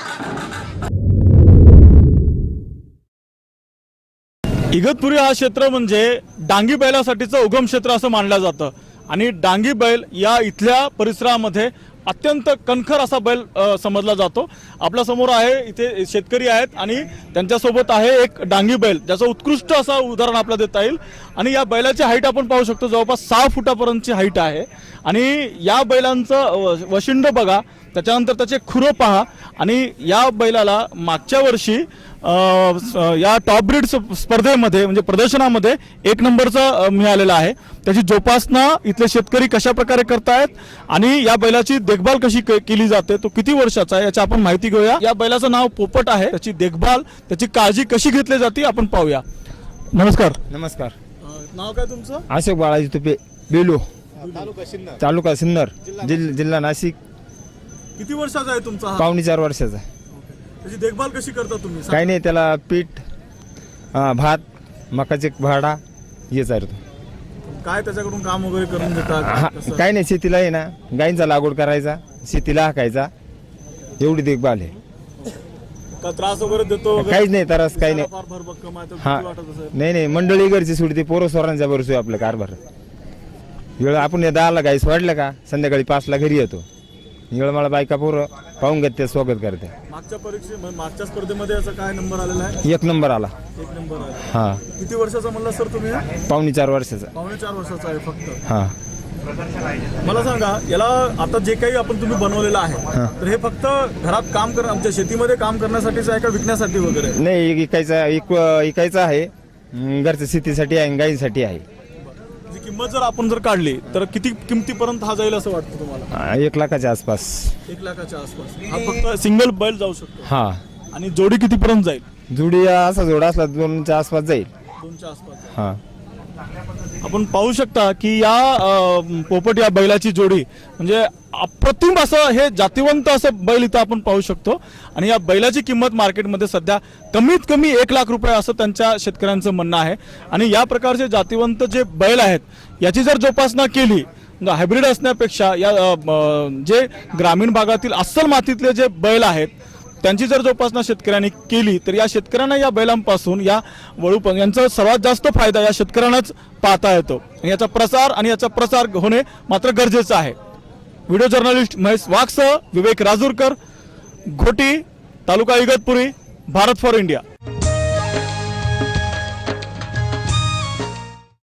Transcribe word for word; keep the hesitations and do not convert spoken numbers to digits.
इगतपुरी हा क्षेत्र म्हणजे डांगी बैलासाठीचं उगम क्षेत्र असं मानलं जातं आणि डांगी बैल या इथल्या परिसरामध्ये अत्यंत कणखर असा बैल समजला जातो। आपल्या समोर आहे इथे शेतकरी आहेत आणि त्यांच्यासोबत आहे एक डांगी बैल ज्याचं उत्कृष्ट असं उदाहरण आपल्याला देता येईल आणि या बैलाची हाईट आपण पाहू शकतो जवळपास सहा फुटापर्यंतची हाईट आहे आणि या बैलांचं वशिंड बघा, त्याच्यानंतर त्याचे खुरं पहा आणि या बैलाला मागच्या वर्षी या टॉप ब्रीड स्पर्धेमध्ये म्हणजे प्रदर्शनामध्ये एक नंबरचा मिळालेला आहे। त्याची जोपासना इथले शेतकरी कशा प्रकारे करतायत आणि या बैलाची देखभाल कशी केली जाते, तो किती वर्षाचा आहे याची आपण माहिती घेऊया। या बैलाचं नाव पोपट आहे, त्याची देखभाल त्याची काळजी कशी घेतली जाते आपण पाहूया। नमस्कार। नमस्कार। नाव काय तुमचं? अशोक बाळाजी तुपे, बेलू, तालुका सिन्नर, तालुका सिन्नर, जिल्हा नाशिक। किती वर्षाचा आहे तुमचा? पावणे चार वर्षाचा। त्याची देखभाल कशी करता तुम्ही? काही नाही, त्याला पीठ, भात, मकाचे भाडा हेच आहे। काय त्याच्याकडून काम वगैरे करून देतात? काही नाही, शेतीला आहे ना गायींचा लागवड करायचा, शेतीला हाकायचा, एवढी देखभाल आहे। का त्रास वगैरे देतो? काहीच नाही, त्रास काही नाही। हा नाही नाही, मंडळी घरची सोडते, पोरं सोरांच्या बरोबर आपलं कारभार। वेळ आपण दहाला गाई सोडलं का संध्याकाळी पाचला घरी येतो, वेळ मला बायका पोरं पाहून घेते, स्वागत करते। मागच्या परीक्षे मागच्या स्पर्धेमध्ये याचा काय नंबर आलेला आहे? एक नंबर आला। एक नंबर आहे। हा। किती वर्षाचा म्हणला सर तुम्ही? पावणे चार वर्षाचा। पावणे चार वर्षाचा आहे फक्त? हा। मला सांगा, याला आता जे काही आपण तुम्ही बनवलेलं आहे तर हे फक्त घरात काम कर आमच्या शेतीमध्ये काम करण्यासाठीच आहे का विकण्यासाठी वगैरे? नाही, विकायचा विकायचा आहे, घरच्या शेतीसाठी आहे, गायीसाठी आहे। किंमत जर आपण जर काढली तर किती किमतीपर्यंत हा जाईल असं वाटतं तुम्हाला? एक लाखाच्या आसपास। एक लाखाच्या आसपास हा फक्त सिंगल बैल जाऊ शकतो? हा। आणि जोडी कितीपर्यंत जाईल? जोडी असा जोडा असला दोनच्या आसपास जाईल। दोनच्या आसपास? हा। आपण पाहू शकता की या पोपट या बैलाची जोडी म्हणजे अप्रतिम असं हे जातिवंत असं बैल इथं आपण पाहू शकतो आणि या बैलाची किंमत मार्केटमध्ये सध्या कमीत कमी एक लाख रुपये असं त्यांच्या शेतकऱ्यांचं म्हणणं आहे। आणि या प्रकारचे जातिवंत जे बैल आहेत याची जर जोपासना केली, हायब्रिड असण्यापेक्षा या जे ग्रामीण भागातील अस्सल मातीतले जे बैल आहेत त्यांची जर जोपासना शेतकऱ्यांनी केली तर या शेतकऱ्यांना या बैलांपासून या वळूपण यांचा सर्वात जास्त फायदा या शेतकऱ्यांनाच पाहता येतो। याचा प्रसार आणि याचा प्रसार होणे मात्र गरजेचं आहे। व्हिडिओ जर्नलिस्ट महेश वाघसह विवेक राजूरकर, घोटी, तालुका इगतपुरी, भारत फॉर इंडिया।